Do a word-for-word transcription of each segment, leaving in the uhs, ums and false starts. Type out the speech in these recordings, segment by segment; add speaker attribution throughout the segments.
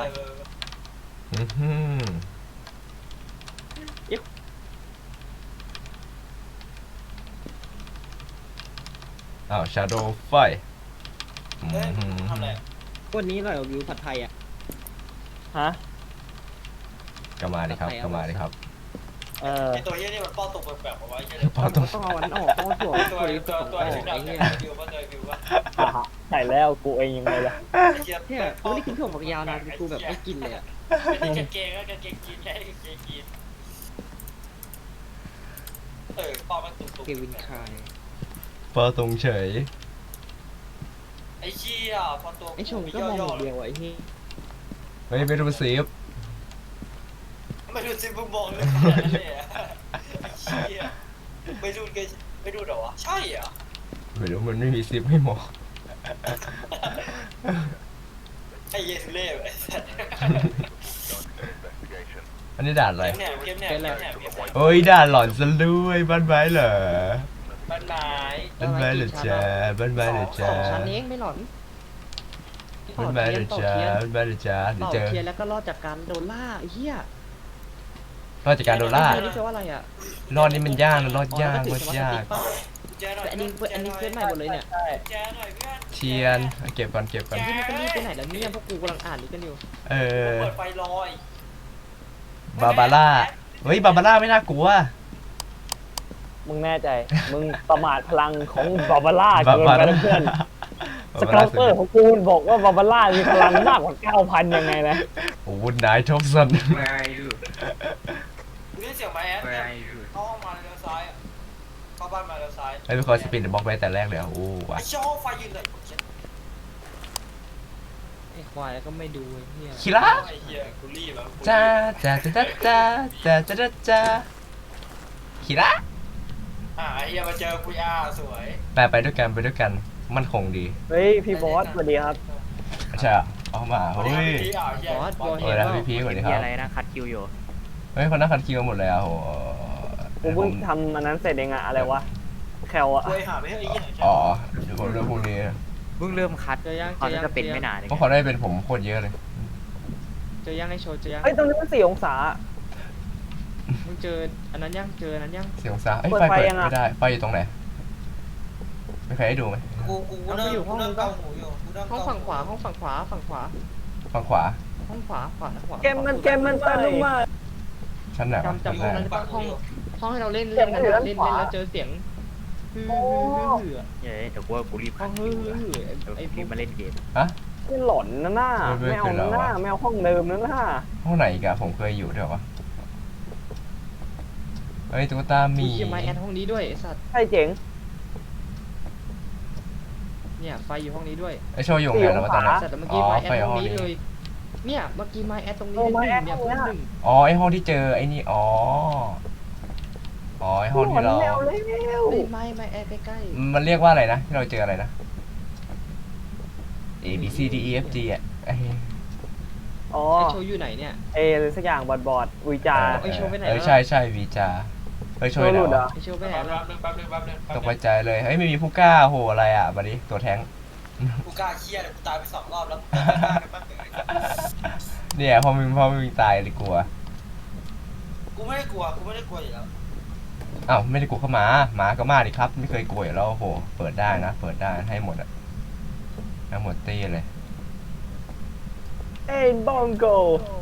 Speaker 1: อือหืออ้าว Shadow ไฟอือหือ
Speaker 2: วันนี้หน่อยวิวผัดไทยอ่ะ
Speaker 3: ฮะ
Speaker 1: ก็มาดิครับก็มาดิครับ
Speaker 3: เออ
Speaker 4: ไอตัวเหี้ยนี่มันป้อนตรงแบบแบบเอาไว้ใช่ไหม
Speaker 1: พอต้อง
Speaker 2: ต้องเอาอันนั้นออกต้องเอาถั่ว
Speaker 4: ตัว
Speaker 2: ถั่วลิส
Speaker 4: ตัว
Speaker 2: ต์
Speaker 4: ตัว
Speaker 2: ออก
Speaker 4: ชุด
Speaker 2: ไอ้
Speaker 4: ดำ
Speaker 2: เหี้
Speaker 4: เนี่ย
Speaker 2: ย
Speaker 4: วิวว่าเจอวิวว่า
Speaker 3: ใส่แล้วกูเองยังไงล่ะ
Speaker 4: เทียบ
Speaker 2: เนี่ยกูไม่ได้กินถั่วฝักยาวนะกูแบบไม่กินเลยอ่ะ
Speaker 4: เป็นกางเกงก็กางเกงยีนใช่กางเกงยีนเออป้อนมันตุ่ม
Speaker 2: เกวินคาย
Speaker 1: พอตรงเฉย
Speaker 4: ไอ้เชี่ยพอตัว
Speaker 2: ไอ้ชมก็มองอย่างเดียวไอ้เหี้ย
Speaker 1: เฮ้ยไม่รู้ซีฟ
Speaker 4: ไม่ดูซิมึงมองเลยเนี่ยไอ้เชี่ยไม่ดูกันไม่ดูหรอวะใช่เหรอ
Speaker 1: ไม่รู้มันไม่มีซิฟให้หมอ
Speaker 4: ไอ้เยสุเล่ไอ้สัตว์
Speaker 1: อันนี้ด่านอะไร
Speaker 4: เกมเนี่ยเกมเนี่ยเกมเนี่ยเกมเนี่ย
Speaker 1: โอ้ยด่านหลอนซะด้วยบ้านไม้เหรอ
Speaker 4: บ้านไม้
Speaker 1: บ้านไม้เหรอจ๊ะบ้านไม้เหรอ
Speaker 2: ส
Speaker 1: จ๊ะ
Speaker 2: องชั้นเองไม่หลอน
Speaker 1: บ้านไม้เหรอ
Speaker 2: ต่อ
Speaker 1: จ๊ะ
Speaker 2: เทียน
Speaker 1: บ้านไม้เหรอจ๊ะเดี๋ยว
Speaker 2: ต่อ
Speaker 1: เจอ
Speaker 2: เทียนแล้วก็รอดจากการโดนล่าไอ้เหี้ย
Speaker 1: รอดจากการโดนล่า
Speaker 2: เทียนนี่แปลว่าอะไรอ่ะ
Speaker 1: รอดนี่มันยากนะรอดยากรอดยาก
Speaker 4: แจ้หน่อย
Speaker 2: แต่อันนี้อันนี้เพื่อนใหม่หมดเลยเนี่ย
Speaker 4: แจ้หน่อยเพื่อน
Speaker 1: เทียนเอาเก็บก่อนเก็บก่อน
Speaker 2: ที่นี่ก็รีบไปไหนแล้วเนี่ยพวกกูกำลังอ่านนี่กันอยู่
Speaker 1: เออ
Speaker 4: เปิดไฟลอย
Speaker 1: บาบาร่าเฮ้ยบาบาร่าไม่น่ากลัว
Speaker 3: มึงแน่ใจ มึงประมาทพลังของบาบาร่า
Speaker 1: บา
Speaker 3: เกิน
Speaker 1: บา
Speaker 3: ไป
Speaker 1: ร่า
Speaker 3: แล้วเพื่อน
Speaker 1: บา
Speaker 3: ส
Speaker 1: บา
Speaker 3: เก
Speaker 1: ร่า
Speaker 3: ลเตอร์ของกูมันบอกว่าบาบาร่ามีพลังมากกว่า เก้าพัน ยังไงนะ
Speaker 1: โอ้โหนายทอมสัน
Speaker 5: Where are you?
Speaker 4: กูได้เสียงไม้แอด
Speaker 5: Where are you?
Speaker 4: เข้าห้องมาเลี้ยวซ้ายอะเข้าบ้านมาเลี้ยวซ้าย
Speaker 1: ไอ้เป็นคนสปินเดอะบล็อกไปแต่แรกเลยอ่ะโอ้ว่ะ
Speaker 4: ไอ้เช่าห้องไฟยืนเลย
Speaker 2: ไอ้ควายแล้วก็ไม่ดูไอ้เหี้ย
Speaker 1: คิระ
Speaker 4: ไอ้เหี้ยกูรีบแล้ว
Speaker 1: จ้าจ้าจ้าจ้าจ้าจ้าจ้าจ้าคิระ
Speaker 4: อ่ะไอ้เหี้ยมาเจอกูย่าสวย
Speaker 1: ไปไปด้วยกันไปด้วยกันมันคงดี
Speaker 3: เฮ้ย พี่บอสสวัสดีครับ
Speaker 1: ใช่อ่ะเอามาเฮ้ย
Speaker 4: พี่อ่ะเหี้ย
Speaker 2: บอสบอส
Speaker 1: เออแล้วพี่พีสวัสดีค
Speaker 6: มี
Speaker 1: รับ
Speaker 6: อะไรนะคัดคิวอยู่
Speaker 1: เฮ้ยคนนั่งคันคิวหมดเลยอ่ะโห
Speaker 3: กูเพิ่งทำอันนั้นเสร็จเองอะอะไรวะ แคลอะ
Speaker 4: กูหาไม่ให้ไอ้เหี้ย
Speaker 1: อ๋อเดี๋ยวผมเรื่องพวกนี้
Speaker 6: เพิ่งเริ่มคัด
Speaker 2: เจอยัง
Speaker 6: ต
Speaker 2: เจ
Speaker 6: อน
Speaker 2: อ
Speaker 6: นั้
Speaker 2: ยัง
Speaker 6: นก็เป็นไม่นานเอง
Speaker 1: เพราะเขาได้เป็นผมโคตรเยอะเลย
Speaker 2: เจอยังไอ้โชว์เจอยัง
Speaker 3: เฮ้ย ตรงนี้มันสี่องศา
Speaker 2: มึงเจออันนั้นยังเจออันนั้นยัง
Speaker 1: เสียงซาเอ้ย
Speaker 3: เปิด
Speaker 1: ไฟ
Speaker 3: ไฟ
Speaker 1: เปิด
Speaker 3: ยังอะ
Speaker 1: ไม่ได้ไฟอยู่ตรงไหนไม่ใครให้ดูไหม
Speaker 4: กูกูกูนั่งกูนั่งเกาหูอยู่กูนั่ง
Speaker 2: ห้องฝั่งขวาห้องฝั่งขวาฝั่งขวา
Speaker 1: ฝั่งขวา
Speaker 2: ห้องขวาขวาขวา
Speaker 3: เกมมันเกมมันเปิดลงมา
Speaker 1: ชั้นไหนวะ
Speaker 2: จำ
Speaker 1: ชั้น
Speaker 2: จำ
Speaker 1: แร
Speaker 2: ห้อง
Speaker 1: ก
Speaker 2: นั้นปะห้องห้องให้เราเล่นเล่นกันเล่นเล่นแล้วเจอเสียงฮือฮือฮือ
Speaker 6: เฮ้ยเดี๋ยวกูว่ากูรีบ
Speaker 2: ห้
Speaker 6: คั
Speaker 2: อง
Speaker 6: ด
Speaker 2: ฮื
Speaker 6: คิ
Speaker 2: อ
Speaker 6: ว
Speaker 2: ฮื
Speaker 6: ละ
Speaker 2: อ
Speaker 6: เดี๋ยว
Speaker 2: ไอ้พ
Speaker 6: รี
Speaker 2: ว
Speaker 6: บ
Speaker 2: ก
Speaker 6: มาเล่นเกม
Speaker 3: นี่หลอนนะน่าไม่เอานะน่าไม่เอาห้องเดิมนะน่า
Speaker 1: ห้องไหนอีกอะผมเคยอยู่ด้วยวะเฮ้ยตุ๊กตาหมี
Speaker 2: มีเขียนไม้แอดห้องนี้ด้วยไอ้สัตว์
Speaker 3: ใช่เจ๋ง
Speaker 2: เนี่ยไฟอยู่ห้องนี้ด้วย
Speaker 1: ไอโชว์อยู่ไหนแล้ววะตอนนี้
Speaker 2: สัตว์แต่เมื่อ
Speaker 1: อ๋
Speaker 2: กี้
Speaker 1: อ
Speaker 2: ไม้แอ
Speaker 1: ไป
Speaker 2: ดห้
Speaker 1: ห้
Speaker 2: อ
Speaker 1: อง ง
Speaker 2: นี้
Speaker 1: นี้
Speaker 2: เลยเนี่ยเมื่อกี้ไม้แอดตรงนี้
Speaker 3: โอ้
Speaker 2: ห
Speaker 3: ไม้
Speaker 2: นึ่ง
Speaker 3: แอด
Speaker 2: เนี่ย
Speaker 3: ตรงเนี้ย
Speaker 2: หนึ่ง
Speaker 1: อ๋อไอห้องที่เจอไอนี่อ๋ออ๋อไอห้องที่เรา
Speaker 3: ไม่เอาแล้ว
Speaker 2: เฮ้ยไม้ไม้แอดใกล้
Speaker 1: มันเรียกว่าอะไรนะที่เราเจออะไรนะ A B C D E F G อ่ะไอ้
Speaker 3: อ๋อ
Speaker 2: ๆไอ้โชว์อยู่ไหนเนี่ย
Speaker 3: เออะไรสักอย่างบอดบอดวิจา
Speaker 2: ไอ้โชว์ไปไหน
Speaker 1: เออ
Speaker 2: วะ
Speaker 1: ใช่ใช่วีจาเฮ้ยโชว์ไหน
Speaker 3: โชว์หลุดเหร
Speaker 1: วะ
Speaker 3: อ
Speaker 2: ไอ้โชว์ไปไหน
Speaker 4: แป๊บ
Speaker 2: วะ
Speaker 4: นึงแป๊บนึงแป๊บนึงแป๊บ
Speaker 1: ตก
Speaker 4: นึ
Speaker 1: ไป
Speaker 4: ง
Speaker 1: ใจเลยเฮ้ยไม่มีผู้กล้าโหอะไรอ่ะมาดิตัวแท้ง
Speaker 4: กูกล้าเครียดกูตายไปสองรอบแล้วกูกล้ากันบ้างเลย
Speaker 1: เนี่ยพอมึงพอมึงตายเลยกลัว
Speaker 4: กูไม่ได้กลัวกูไม่ได้กลัวอยู่แล้ว
Speaker 1: อ้าวไม่ได้กลัวเข้ามาหมาก็มาดิครับ ไม่เคยกลัวอยู่แล้วโอ้โหเปิดได้นะเปิดได้ให้หมดอ่ะให้หมดตีเลย
Speaker 3: เอ็นบองโก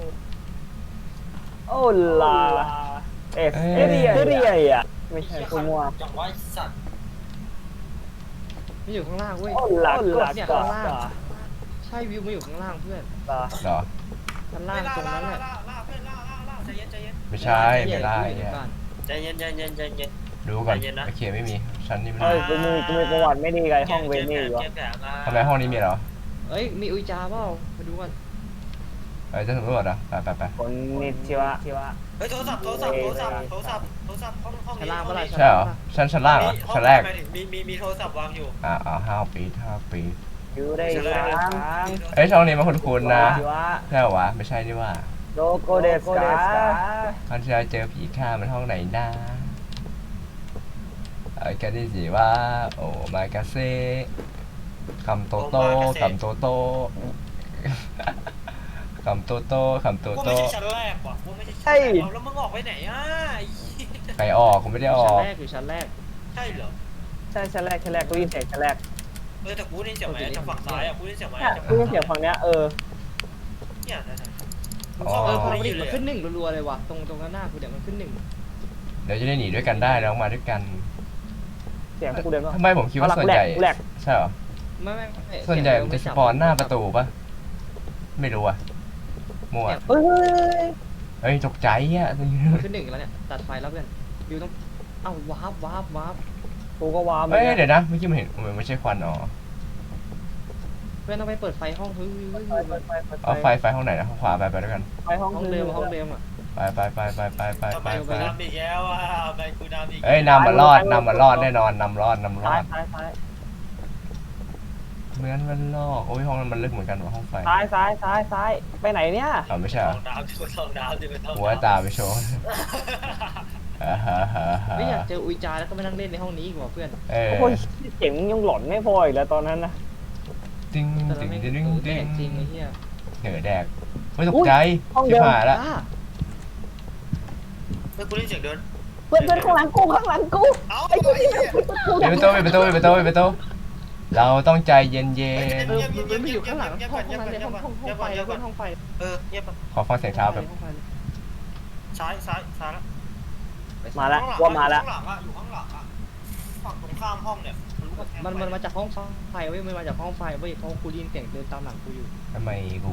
Speaker 3: โอ้ลาเอสเอเรียเอเรียอ่ะไม่ใช่คุณมัว
Speaker 4: จังว่าสัตว์
Speaker 2: มันอยู่ข้างล่างเว้ย
Speaker 3: โอ้ลา
Speaker 2: เนี่ย
Speaker 3: กา
Speaker 2: ข้างล่างใช่วิวมันอยู่ข้างล่างเพื่อน
Speaker 3: ตา
Speaker 1: เหรอ
Speaker 2: ข้างล่างตรงนั้นแหละ
Speaker 4: ล่าล่าเพื่อนล่าล่าล่าใจเย็นใจเย็น
Speaker 1: ไม่ใช่ไม่ได้
Speaker 2: เดี๋
Speaker 1: เนี่ย
Speaker 2: ยวก่อน
Speaker 4: ใจเย็นใจเย็นใจเย็น
Speaker 1: ดูก่อน
Speaker 4: ใจเย็นนะ
Speaker 1: โอเคไม่มีชั้นนี้ไม่
Speaker 3: เอ้
Speaker 1: มี
Speaker 3: ยกูมีกูมีประวัติไม่ดีกับห้องเวนี่อยู่
Speaker 1: ทำไมห้องนี้มีเหรอ
Speaker 2: เอ้ยมีอุจจาเปล่ามาดูกัน
Speaker 1: เอ้ยจะสำรวจเหรอไปไปไป
Speaker 3: คนนิดชิวะชิวะ
Speaker 4: เฮ้ยโทรศัพท์โทรศัพท์โทรศัพท์โทรศัพท์โทรศัพท์ห้องห้อง
Speaker 2: ชั้นล่างเปล่าล่ะ
Speaker 1: ใช่เหรอชั้นชั้นล่างเหรอชั้นแรก
Speaker 4: มีมีมีโทรศัพท์วางอยู่
Speaker 1: อ่าอ่าห้าปีห้าปี
Speaker 3: อยู่ได้ครั้ง
Speaker 1: เอ้ยช่องนี้มันคุ้นๆนะ
Speaker 3: ชิวะ
Speaker 1: ใช่เหรอวะไม่ใช่นี่ว่า
Speaker 3: โลโกเดสกา
Speaker 1: ตอนที่เราเจอผีข้ามันห้องไหนนะเอ้ยกันนี่สิว่าโอ้มากาเซ่คำโตโต้คำโตโต้ขำโตโตขำโต
Speaker 4: กู
Speaker 1: โต
Speaker 4: ไม่ใช่ชั้นแรกว่ะกูไม่ใช่ชั้นแรกเอาแล้วมึงออกไปไหนอ่ะไอ้เหี้ย
Speaker 1: ใครออกผมไม่ได้อ
Speaker 2: ชั้
Speaker 1: อน ก
Speaker 2: แรกอยู่ชั้นแรก
Speaker 4: ใช่เหรอ
Speaker 3: ใช่ชั้นแรกชั้นแรกกูได้ยินเสียงชั้นแรก
Speaker 4: เออแต่กูได้ยินเสียงไหมจากฝั่งซ้ายอ่ะกูได้ยินเสียงไหม
Speaker 3: เนี่ย
Speaker 4: จาก
Speaker 3: กู
Speaker 4: ฝั่ง
Speaker 3: ได้ยินเสียงฝั่งเนี้ยเออ
Speaker 4: เนี่ยนะนะ
Speaker 1: อ๋อ
Speaker 2: เออพอ
Speaker 4: ไม่
Speaker 2: มัน
Speaker 4: ได้ยิน
Speaker 2: มั
Speaker 4: เลย
Speaker 2: นขึ้นหนึ่งรัวๆเลยว่ะตรงตรงหน้ากูเดี๋ยวมันขึ้นหนึ่ง
Speaker 1: เดี๋ยวจะได้หนีด้วยกันได้แล้วมาด้วยกัน
Speaker 3: เสียงกูเดินมา
Speaker 1: ทำไมผมคิดว่าส่วนใหญ่
Speaker 3: กูแหลก
Speaker 1: ใช่เหรอ
Speaker 2: ไม่ไม่ไม่
Speaker 1: ส่วนใหญ่มันจะสปอนหน้าประตูปะไม่รู้อะมั่ว
Speaker 3: เฮ้ยเฮ้ย
Speaker 1: เฮ้ยตกใจอ่ะ
Speaker 2: ขึ้นหนึ่งแล้วเนี่ยตัดไฟแล้วเพื่อนบิวต้องเอ้าวาร์ปวาร์ปวาร์ป
Speaker 3: กูก็ว้า
Speaker 1: เฮ้ยเดี๋ยวนะเมื่อกี้มันเห็นมันไม่ใช่ควันอ๋อ
Speaker 2: เพื่อนต้องไปเปิดไฟห้องเฮ้ยเฮ้ย
Speaker 3: ไฟ
Speaker 2: เฮ้ย
Speaker 3: ไฟไฟ
Speaker 1: เอาไฟไฟห้องไหนนะห้องขวาไปไปด้วยกัน
Speaker 3: ไฟห้อง
Speaker 2: ห้องเดิมห้องเดิมอ่ะ
Speaker 1: ไปไปไปไปไปไป
Speaker 4: ทำ
Speaker 1: ไป
Speaker 4: ไม
Speaker 1: ไป
Speaker 4: กูนำอีกแล้วอ่ะทำไมกูนำอีก
Speaker 1: เอ้ยนำมารอดนำมารอดแน่นอนนำรอดนำร
Speaker 3: ซ้า
Speaker 1: อย ด
Speaker 3: ซ้ายซ้าย
Speaker 1: เหมือนมันลอกโอ้ยห้องนั้นมันลึกเหมือนกันว่ะห้องไฟ
Speaker 3: ซ้ายซ้ายซ้ายซ้ายไปไหนเนี่ย
Speaker 1: อ๋อไม่ใช่
Speaker 4: ล
Speaker 1: เหร
Speaker 4: อ
Speaker 1: อง
Speaker 4: น้ำดิลองน้ำดิเป็นลอง
Speaker 1: หัวตาไปโชว์อ่าฮะฮะฮะ
Speaker 2: ไม่อยากเจออุยจาแล้วก็มานั่งเล่นในห้องนี้อีกว่ะเพื่อน
Speaker 1: เออ
Speaker 3: โอ้ยเสียงยังหลอนไม่พออีกแล้วตอนนั้นนะ
Speaker 1: ติ้ง
Speaker 2: แต่
Speaker 1: ติ้ง
Speaker 2: ไม่
Speaker 1: ติ้ง
Speaker 2: แด
Speaker 1: ติ้ง
Speaker 2: กจริงไอ้เหี้ย
Speaker 1: เหนือแดกไม่ตกใจชิบหายละ
Speaker 2: อ่า
Speaker 4: เฮ้ยกูได้ยินเสียงเดิน
Speaker 3: เพื่อนเพื่อนข้างหลังกูข้างหลังกู
Speaker 4: เอ้า
Speaker 3: ไอ้
Speaker 4: ไอ้
Speaker 3: ที่
Speaker 4: เหี้ย
Speaker 1: ปิดประตูปิดประตูปิดประตูปิดประตูเราต้องใจเย็น
Speaker 2: เออมันมันไม่อยู่ข้างหลังห้องห้องนั้นเลยห้องห้องห้องไฟแล้วเพื่อนห้องไฟ
Speaker 4: เออเงียบไป
Speaker 1: ๆขอฟังเสียงเท้าแบบ
Speaker 2: ห้องไฟเลย
Speaker 4: ซ้ายซ้ายซ้ายแล้ว
Speaker 3: มาแล้ว
Speaker 4: ข้างหลัง
Speaker 3: ว่ามาแล้ว
Speaker 4: ข้างหลังอ่ะอยู่ข้างหลังอ่ะฝั่งตรงข้ามห้องเนี่ยทะลุกำแพง
Speaker 2: มัน
Speaker 4: ไป
Speaker 2: มันมาจากห้องไฟเว้ยมันมาจากห้องไฟเว้ยเพราะกูได้ยินเสียงเดินตามหลังกูอยู่
Speaker 1: ทำไมกู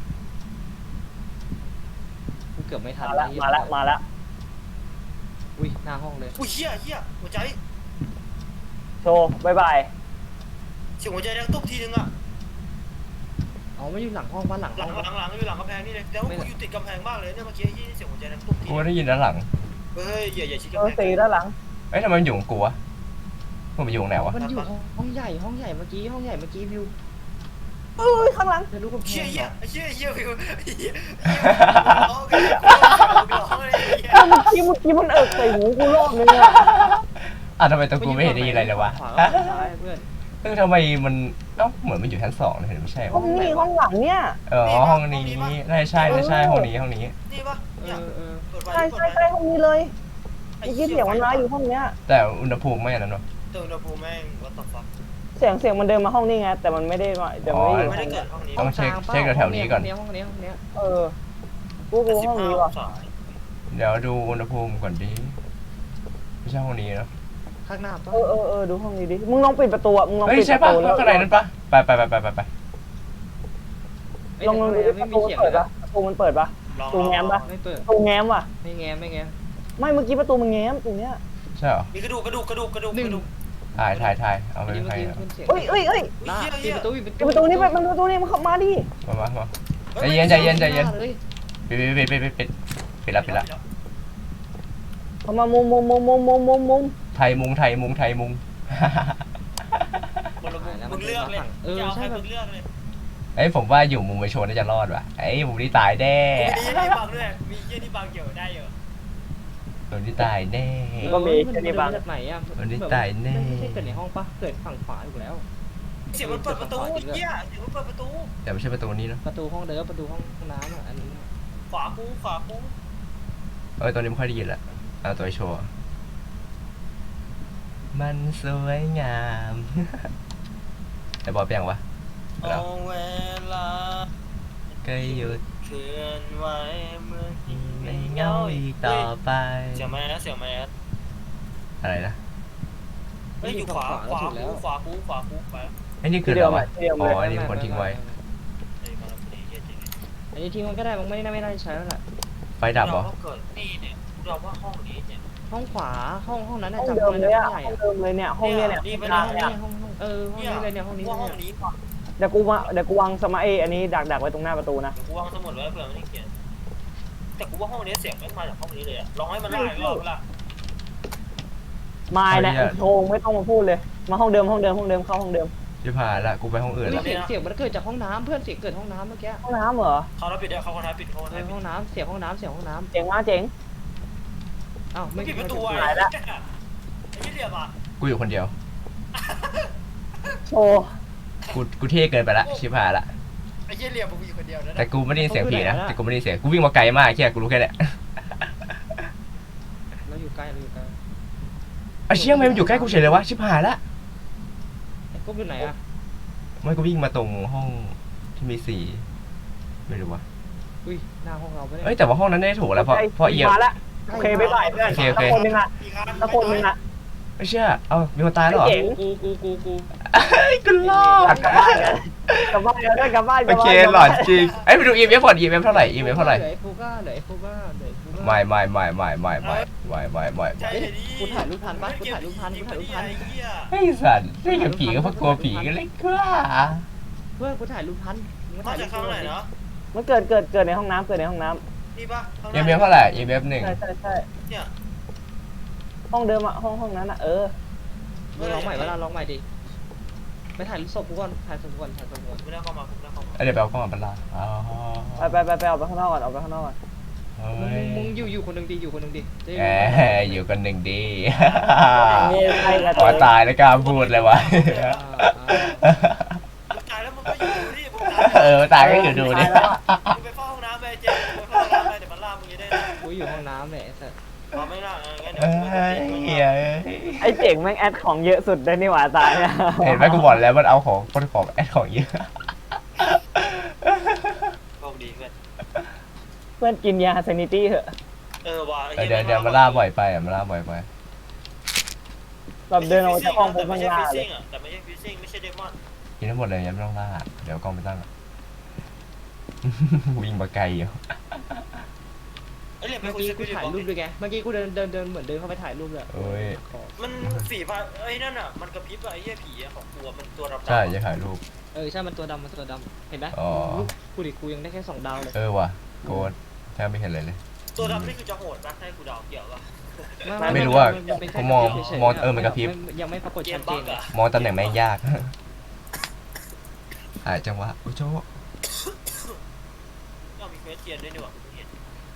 Speaker 2: กูเกือบไม่ทัน
Speaker 3: มาแล้วมาแล้วมาแล้ว
Speaker 2: อุ้ยหน้าห้องเลย
Speaker 4: อุ้ยเหี้ยเหี้ยหัวใจ
Speaker 3: โชว์บายบาย
Speaker 4: เสียงหัวใจแดงตุ๊บทีนึงอ่ะ
Speaker 2: อ๋อไม่อยู่หลังห้องบ้านหลัง
Speaker 4: หลั
Speaker 2: ห้อง ง
Speaker 4: หลังหลังอยู่หลังกำแพงนี่เลยแล้วกูอยู่ติดกำแพงมากเลยเนี่ยเมื่อกี้ยี่เสียงหัวใจแดงตุ๊บที
Speaker 1: กูได้ยินด้านหลัง
Speaker 4: เฮ้ยอย่าอย่าชิด
Speaker 3: โช
Speaker 4: กำ
Speaker 3: ว์
Speaker 4: แพ
Speaker 3: สี
Speaker 4: ง
Speaker 3: ด้านหลัง
Speaker 1: เอ้ยทำไมมันอยู่ของกูวะมันอยู่ตรงไหนวะ
Speaker 2: มันอยู่ห้องห้องใหญ่ห้องใหญ่เมื่อกี้ห้องใหญ่เมื่อกี้วิว
Speaker 3: เอ้ยข้างหลัง
Speaker 2: จะรู้กับแพ
Speaker 4: เชี่ย
Speaker 2: ง
Speaker 4: เหี้
Speaker 2: เหร
Speaker 4: ย
Speaker 2: อ
Speaker 4: เชี่ยเหี้ยวิวเหี้ยร้องกันร้องเลยเหี้ย
Speaker 3: เมื่อกี้เมื่อกี้มันเอิกใส่หูกูรอบนึงอะ
Speaker 1: อ่ะทำไมตัวกูไม่เห็นได้ยินอะไรเลยวะ
Speaker 2: ขวากับซ้ายเพื่อน
Speaker 1: เออทำไมมันเอ้าเหมือนมันอยู่ชั้นสองเลยเห็นไม่ใช่
Speaker 3: ห้อ
Speaker 1: วะ
Speaker 3: งนี้ห้องหลังเนี่ย
Speaker 1: เอออ๋อห้องนี้น่าจะใช่น่าจะใช่ห้องนี้ห้องนี้
Speaker 4: นี่ปะ
Speaker 2: เอ
Speaker 4: เนี่ย
Speaker 2: อเออ
Speaker 4: เปิดไฟ
Speaker 3: ใช่
Speaker 4: เปิด
Speaker 3: ใช่
Speaker 4: ไฟ
Speaker 3: ใช่ห้องนี้เลยเมื่อกี้เสียงมันมาอยู่ห้องเนี้ย
Speaker 1: แต่อุณหภูมิไม่อันนั้นหรอ
Speaker 4: เติมอุณหภูมิแม่งวัดต่อฟัก
Speaker 3: เสียงเสียงมันเดินมาห้องนี้ไงแต่มันไม่ได้มาแต่ไม่ได้อยู่
Speaker 4: ไม่
Speaker 3: ห้
Speaker 4: ได้
Speaker 3: อง
Speaker 4: เกิ
Speaker 3: นี้
Speaker 4: ดห้องนี้
Speaker 1: ต้องเช็คเช็คแถวๆนี้ก่อน
Speaker 2: ห้องนี้ห้องนี้
Speaker 3: เออกูกูห้องนี้ว่ะ
Speaker 1: เดี๋ยวดูอุณหภูมิก่อนดิไม่ใช่ห้องนี้เนอะ
Speaker 2: ข้างหน้าปะ
Speaker 3: เออเออเออดูห้องนี้ดิมึงลองปิดประตูอ่ะมึงลอง
Speaker 1: เฮ้ย
Speaker 3: ปิด
Speaker 1: ใช่
Speaker 3: ประ
Speaker 1: ปะ
Speaker 3: ตูแล้ว
Speaker 1: ข้างในนั้นปะไปไปไปไปไปไป
Speaker 3: ลองลองดูดิป
Speaker 2: ไม่
Speaker 3: ระ
Speaker 2: มี
Speaker 3: ตูมัน
Speaker 2: เสียง
Speaker 3: เปิด
Speaker 2: นะ
Speaker 3: ปะประตูมันเปิดปะ
Speaker 4: ลอง
Speaker 3: ตูแง้มปะ
Speaker 2: ไม่เปิด
Speaker 3: ประตูแง้มว่ะ
Speaker 2: ไม่แง้มไม่แง้ม
Speaker 3: ไม่เมื่อกี้ประตูมันแง้มตรงเนี้ย
Speaker 1: ใช่เหรอ
Speaker 4: มีกระดูกกระดูกกระดูกกระดูกกระดูก
Speaker 1: ถ่ายถ่ายถ่ายเอาไป
Speaker 2: เมื่อ
Speaker 1: ใคร
Speaker 2: กี้
Speaker 1: อะ
Speaker 2: ขึ้นเสียง
Speaker 3: เอ้ยเอ้ยเอ้ย
Speaker 2: หน้าปิดประตูปิด
Speaker 3: ปิดประตูนี่ไปมันประตูนี่มันเข้ามาดิ
Speaker 1: มามามาใจเย็นใจเย็นใจเย็นปิดปิดปิดปิดปิดปิดละปิดละ
Speaker 3: เข้ามามุมมุมมุมมุมมุมมุมมุม
Speaker 1: ไทยมุงไทยมุงไทยมุง
Speaker 4: คนละมุมมึงเลือกเลย
Speaker 2: เออ
Speaker 4: จะเอา
Speaker 2: ใช่
Speaker 4: ให้
Speaker 2: แบ
Speaker 4: มึ
Speaker 2: บ
Speaker 4: งเลือกเลย
Speaker 1: เอ้ยผมว่าอยู่มุมไปโชว์น่าจะรอดว่ะไอ้ยมุมนี้ตายแน่
Speaker 4: มียี่ที่บางด้วยมียี่ที่บางเกี่ยวได้เยอะ
Speaker 1: มุมนี้ตายแน่
Speaker 3: ก็มีแค่นี้บาง
Speaker 2: จากไหนอ่ะ
Speaker 1: มันได้ตายแน่
Speaker 2: ไม่ใช่เกิดในห้องปะเกิดฝั่งขวาอยู่แล้ว
Speaker 4: เสียงมันเปิดประตูเหี้ยเสียงมันเปิดประตู
Speaker 1: แต่ไม่ใช่ประตูนี้เนอะ
Speaker 2: ประตูห้องเดิมประตูห้องน้ำอ่ะอันนี้
Speaker 4: ขวากูขวากู
Speaker 1: เออตัวนี้ไม่ค่อยได้ยินละเอาตัวโชว์มันสวยงาม ไอ้บอลเปียงวะ
Speaker 4: เอาเวลา
Speaker 1: ก็หยุด
Speaker 4: เคลื่อนไหวเมื่อ
Speaker 1: ที่ไม่เหงาอีกต่อไป
Speaker 4: เสียงแมสเสียงแมส
Speaker 1: อะไรนะ
Speaker 4: เฮ้ยอยู่ขวาขวากูขวากูขวากูไป
Speaker 1: ไอ้นี่คือ
Speaker 3: ที่
Speaker 1: อะไร
Speaker 3: เดียว
Speaker 1: วะ
Speaker 3: ใหม่ที่เดียวเลย
Speaker 1: อ๋ออันนี้เป็นคนทิ้งไว้
Speaker 4: เฮ้ยมาแล้วพอดีเหี้ยจริง
Speaker 2: อันนี้ทิ้งมันก็ได้มันไม่ได้ไม่ได้ใช้แล้วแหละ
Speaker 1: ไฟดับเหรอ
Speaker 4: เราเกิดนี่เนี่ยเราว่าห้องนี้เนี่ย
Speaker 2: ห้องขวาห้องห้องนั้น
Speaker 3: ห้
Speaker 2: น่ะ
Speaker 3: อง
Speaker 2: จำ
Speaker 3: เดิม
Speaker 2: ไม่
Speaker 3: เล
Speaker 2: ได้
Speaker 3: ย
Speaker 2: ห้
Speaker 3: อ่ะ
Speaker 2: องใหญ่
Speaker 3: ห้องเดิมเลยเนี่ยห้องเนี้ยเนี่ย
Speaker 2: นี่เป็น
Speaker 3: ก
Speaker 2: ห้
Speaker 3: ลา
Speaker 2: อง ง
Speaker 3: เนี่ย
Speaker 2: นี้ห้องห้องเออห้องนี้เลยเนี่ยห้องนี้
Speaker 4: ว่าห้อง
Speaker 2: เนี่ย
Speaker 4: นี้ก่อน
Speaker 3: เดี๋ยวกูมาเดี๋ยวกูวางสมาเออันนี้ดักดักไว้ตรงหน้าประตูนะ
Speaker 4: เดี๋ยวกูวางสมุดไว้เผื่อมันไม่เขียนแต่กูว่าห้องนี้เสียงไม่มาจากห้องนี้เลยอะลองให้มันได้อีกรอบละ
Speaker 3: มาเนี่ยโชงไม่ต้องมาพูดเลย มาห้องเดิมห้องเดิมห้องเดิมเข้าห้องเดิม
Speaker 1: จะผ่านละกูไปห้องอื่น
Speaker 2: เฮ้ย
Speaker 1: ละ
Speaker 2: เสียงเสียงมันเกิดจากห้องน้ำเพื่อนเสียงเกิดห้องน้ำเมื่อกี้
Speaker 3: ห้องน้ำเหรอ
Speaker 4: เขาเราปิดได้เขาคนท้ายปิดเขาคน
Speaker 2: เอ
Speaker 4: ท้าย
Speaker 2: อ
Speaker 4: ปิ
Speaker 2: ห้
Speaker 4: ด
Speaker 2: องน้ำเสียงห้องน้ำเสียงห้องน้
Speaker 3: เจ๋งมากเจ๋ง
Speaker 2: ำอ้าว
Speaker 4: ไม่
Speaker 2: ไม่
Speaker 4: ปิดประตู
Speaker 2: ไม่
Speaker 4: ไอ้
Speaker 3: หายละ
Speaker 4: ไอ้ยี่เหลี่ยมอ่ะ
Speaker 1: กูอยู่คนเดียว
Speaker 3: โชว์
Speaker 1: กูกูเท่เกินไปละชิบหายละ
Speaker 4: ไอ้เหี้ยเหลี่ยมมึงอยู่คนเดียวนะ
Speaker 1: แต่กูไม่ได้ยินเสียงผีนะแต่กูไม่ได้ยินเสียงกูวิ่งมาไกลมากแค่กูรู้แค่เนี้ย
Speaker 2: เราอยู่ใกล้เราอยู่ใกล้
Speaker 1: ไอ้เชี่ยทำไมมันอยู่ใกล้กูเฉยเลยวะชิบหายละ
Speaker 2: ไอ้กุ๊บอยู่ไหนอะ
Speaker 1: ไม่กูวิ่งมาตรงห้องที่มีสีไม่รู้วะ
Speaker 2: อุ้ยหน้าห้องเราไม่ได้
Speaker 1: เอ้ยแต่ว่าห้องนั้นได้ถูกแล้วเพราะเพราะเอีย
Speaker 3: มาละโอเคบ๊ายบายเพื่อน
Speaker 1: โอเคโอเค
Speaker 3: ตะคนนึงอะ
Speaker 4: อีกครั้ง
Speaker 3: ตะคนนึงอะ
Speaker 1: ไม่เชื่อเอามีคนตายแล้วเหรอ
Speaker 3: เจ๋ง
Speaker 2: กูกูกูกู
Speaker 1: เฮ้ยกูรอด
Speaker 3: กลับบ้านกันกลับบ้านกันด้วยกลับบ้านก
Speaker 1: โอ
Speaker 3: ลับ
Speaker 1: เค
Speaker 3: บ้าน
Speaker 1: หลอนจริงเอ้ยไปดู อี เอ็ม เอฟ ก่อน อี เอ็ม เอฟ เท่าไหร่ อี เอ็ม เอฟ เท่าไหร่
Speaker 2: เหลือไอ้ฟูก้าเหลือไอ้ฟูก้าเหลือไอ้ฟูก้า
Speaker 1: ไม่ไม่ไม่ไม่ไม่ไม่ไม่ไม่ไม่ไม่
Speaker 4: ใช่ดิ
Speaker 2: กูถ่ายรูปทันปะกูถ่ายรูปทันกูถ่ายรูปทัน
Speaker 4: ไอ้เหี้ย
Speaker 1: ไอ้สัตว์เล่นกับผีก็เพราะกลัวผีก็เลยกล้า
Speaker 2: เพื่อนกูถ่ายรูปทันมึง
Speaker 4: มา
Speaker 2: ถ่ายรู
Speaker 4: จาก
Speaker 2: ป
Speaker 4: ข้างไหน
Speaker 2: ดิ
Speaker 4: เนาะ
Speaker 3: มันเกิดเกิดเกิดในห้องน้ำเกิดในห้องน้
Speaker 4: นี่ปะข้างห
Speaker 1: อี
Speaker 4: น้า
Speaker 1: เอ็ม เอฟ เท่าไหร่ อี เอ็ม เอฟ หนึ่ง
Speaker 3: ำใช่ใช่ใช่
Speaker 4: เนี่ย
Speaker 3: ห้องเดิมอะห้องห้องนั้นอะเออ
Speaker 2: มึงลองใหม่เวลาลองใหม่ดิไปถ่ายรูปศพกูก่อนถ่ายศพกูก่อนถ่ายศพกูก่อน
Speaker 4: ไม่ได้เข้ามาไม่ได้เข้ามา
Speaker 1: เดี๋ยวไปเอากล้องมาบรรลาอ๋อ
Speaker 3: ไปไปไปไปออกไปข้างนอกก่อนออกไปข้างนอกก่อน
Speaker 1: เฮ้
Speaker 2: มึง
Speaker 1: ย
Speaker 2: มึงอยู่อยู่คนหนึ่งดิอยู่คนหนึ่งดิจะ
Speaker 1: แหมอยู่กันหนึ่งดี
Speaker 3: นี่ใครกัน
Speaker 1: ขอตายแล้วกล้าพูดเลยวะ
Speaker 2: อ่าอ่า
Speaker 4: มึงตายแล้วมึงก็อยู่ดิมึงตาย
Speaker 1: เออตายก็อยู่ดูดิ
Speaker 4: มึงไปเฝ้าห้องน้ำไปเจ๊มึงไปเฝ้าห้องน้ำไปเดี๋ยวมันล่ามึงจะได้
Speaker 2: กูอยู่ห้องน้ำเลยไอ้สัส
Speaker 4: เอาไม่ล่างั้น
Speaker 1: เอ้ย
Speaker 4: เดี๋ยวกูจะ
Speaker 1: เหี้ย
Speaker 3: ไอ้เจ๋งแม่งแอดของเยอะสุดได้นี่หว่าตายเนี่ย
Speaker 1: เห็นไหมกูบอกแล้วมันเอาของคนของแอดของเยอะ
Speaker 4: โชคดีเพื่อน
Speaker 3: เพื่อนกินยาเซนิตี้เหอะ
Speaker 4: เออว่ะ
Speaker 1: เออเดี๋ยวเดี๋ยวมาล่าบ่อยไปอ่ะมาล่าบ่อยไป
Speaker 3: แบบเดินออกมาจากห้องปุ๊บ
Speaker 4: ไม่
Speaker 3: มัน
Speaker 4: ใช่
Speaker 3: ล่า
Speaker 4: ฟิซ
Speaker 3: เล
Speaker 4: ซิ่
Speaker 3: ย
Speaker 4: งอ่ะแต่ไม่ใช่ฟิซซิ่งไม่ใช่เดมอน
Speaker 1: กินทั้งหมดเลยยังไม่ต้องล่าเดี๋ยวกล้องไปตั้งอ่ะ วิ่งมาไกลอยู่
Speaker 4: ไอ้เหลี่ยม
Speaker 2: เมื่
Speaker 4: ไม่
Speaker 2: อ
Speaker 4: คุย
Speaker 2: กี้
Speaker 4: ส
Speaker 2: กู
Speaker 4: ปิริต
Speaker 2: ถ่าย
Speaker 4: บอก
Speaker 2: รูปด้วยไงเมื่อกี้กูเดินเดินเดินเหมือนเดินเข้าไปถ่ายรูปเลย
Speaker 1: เอ้ย
Speaker 2: ขอ
Speaker 4: มันสีฟ้าไอ้นั่นอ่ะมันกระพริบอ่ะไอ้เหี้ยผีอ่ะของตัวมันตัวดำๆ
Speaker 1: ใช่จะถ่ายรูป
Speaker 2: เออใช่มันตัวดำมันตัวดำเห็นไหม
Speaker 1: อ๋อ
Speaker 2: รูปกูดิกูยังได้แค่สองดาวเลย
Speaker 1: เออว่ะโกดแทบไม่เห็นเลยเลย
Speaker 4: ตัวดำนี่คือจะโหดปะให้กูเดาเกี่ยวป่ะ
Speaker 1: ไม่รู้ว่า
Speaker 2: มันเป็นแค่
Speaker 1: ผมมอง
Speaker 2: กระพริบฉยๆ
Speaker 1: มองเออมันกระพริบ
Speaker 2: ยังไม่ปรากฏ
Speaker 4: เก
Speaker 2: ชั
Speaker 4: ม
Speaker 2: ดเจ
Speaker 4: บั๊
Speaker 2: น
Speaker 4: กอ่ะ
Speaker 1: มองตำแหน่งแม่งยากหายจังหวะอุ้ยโจ้
Speaker 4: ก็มีเควสเทียนด้วยนี่หว่ากูเห็น